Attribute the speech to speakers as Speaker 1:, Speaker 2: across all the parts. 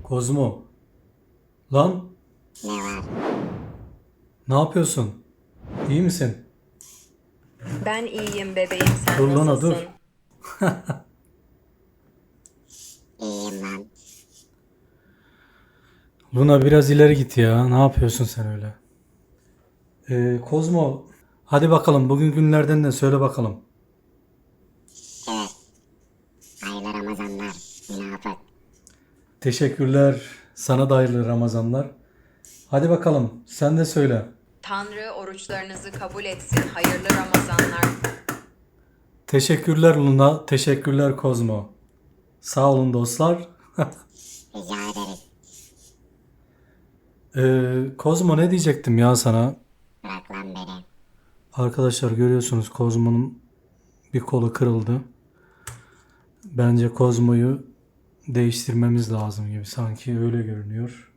Speaker 1: Kozmo. Lan
Speaker 2: Ne var?
Speaker 1: ne yapıyorsun? İyi misin?
Speaker 3: Ben iyiyim bebeğim, sen
Speaker 1: Dur Luna
Speaker 3: nasılsın?
Speaker 1: dur.
Speaker 2: İyiyim ben.
Speaker 1: Luna biraz ileri git ya. Ne yapıyorsun sen öyle? Kozmo. Hadi bakalım bugün günlerden de söyle bakalım.
Speaker 2: Evet. Hayırlı Ramazanlar. Münafık.
Speaker 1: Teşekkürler. Sana da hayırlı Ramazanlar. Hadi bakalım sen de söyle.
Speaker 3: Tanrı oruçlarınızı kabul etsin. Hayırlı Ramazanlar.
Speaker 1: Teşekkürler Luna. Teşekkürler Kozmo. Sağ olun dostlar.
Speaker 2: Rica ederiz.
Speaker 1: Kozmo ne diyecektim ya sana?
Speaker 2: Bırak lan beni.
Speaker 1: Arkadaşlar görüyorsunuz Kozmo'nun bir kolu kırıldı. Bence Kozmo'yu değiştirmemiz lazım gibi sanki öyle görünüyor.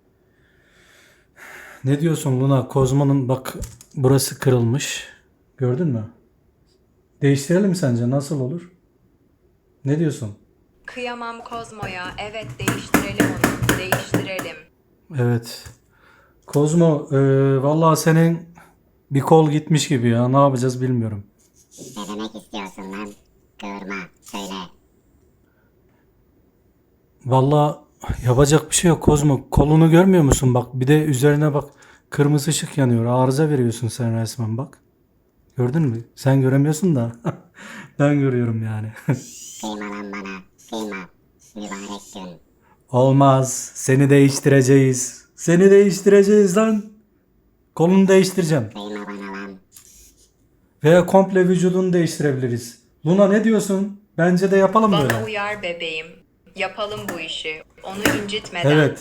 Speaker 1: Ne diyorsun Luna? Kozmo'nun bak burası kırılmış. Gördün mü? Değiştirelim mi sence? Nasıl olur? Ne diyorsun?
Speaker 3: Kıyamam Kozmo'ya. Evet, değiştirelim onu. Değiştirelim.
Speaker 1: Evet. Kozmo, vallahi senin bir kol gitmiş gibi ya. Ne yapacağız bilmiyorum.
Speaker 2: Ne demek istiyorsun lan? Kıvırma. Söyle.
Speaker 1: Vallahi yapacak bir şey yok Kozmo. Kolunu görmüyor musun? Bak bir de üzerine bak. Kırmızı ışık yanıyor. Arıza veriyorsun sen resmen bak. Gördün mü? Sen göremiyorsun da. Ben görüyorum yani.
Speaker 2: Kıyma lan bana. Kıyma. Mübarek gün.
Speaker 1: Olmaz. Seni değiştireceğiz. Seni değiştireceğiz lan. Kolunu değiştireceğim.
Speaker 2: Kıyma bana lan.
Speaker 1: Veya komple vücudunu değiştirebiliriz. Luna ne diyorsun? Bence de yapalım
Speaker 3: Bana
Speaker 1: böyle.
Speaker 3: uyar bebeğim. Yapalım bu işi. Onu incitmeden.
Speaker 1: Evet.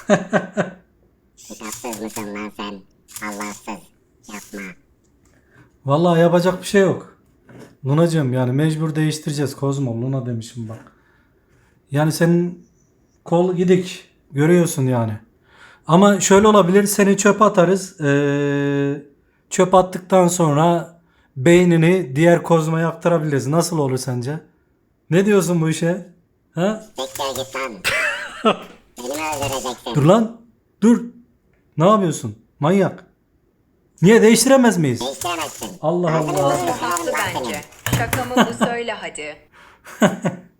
Speaker 2: Kitapsız mısın lan sen? Allahsız. Yapma.
Speaker 1: Vallahi yapacak bir şey yok. Lunacığım yani mecbur değiştireceğiz. Kozmo Luna demişim bak. Yani senin kol gidik. Görüyorsun yani. Ama şöyle olabilir. Seni çöpe atarız. Çöp attıktan sonra beynini diğer Kozmo'ya aktarabiliriz. Nasıl olur sence? Ne diyorsun bu işe? Ha?
Speaker 2: Siktir git lan. Beni mi öldüreceksin?
Speaker 1: Dur lan. Dur. Ne yapıyorsun? Manyak. Niye değiştiremez miyiz?
Speaker 2: Değiştiremezsin.
Speaker 1: Allah Allah.
Speaker 3: Kozmo haklı bence. Şaka mı bu, söyle hadi.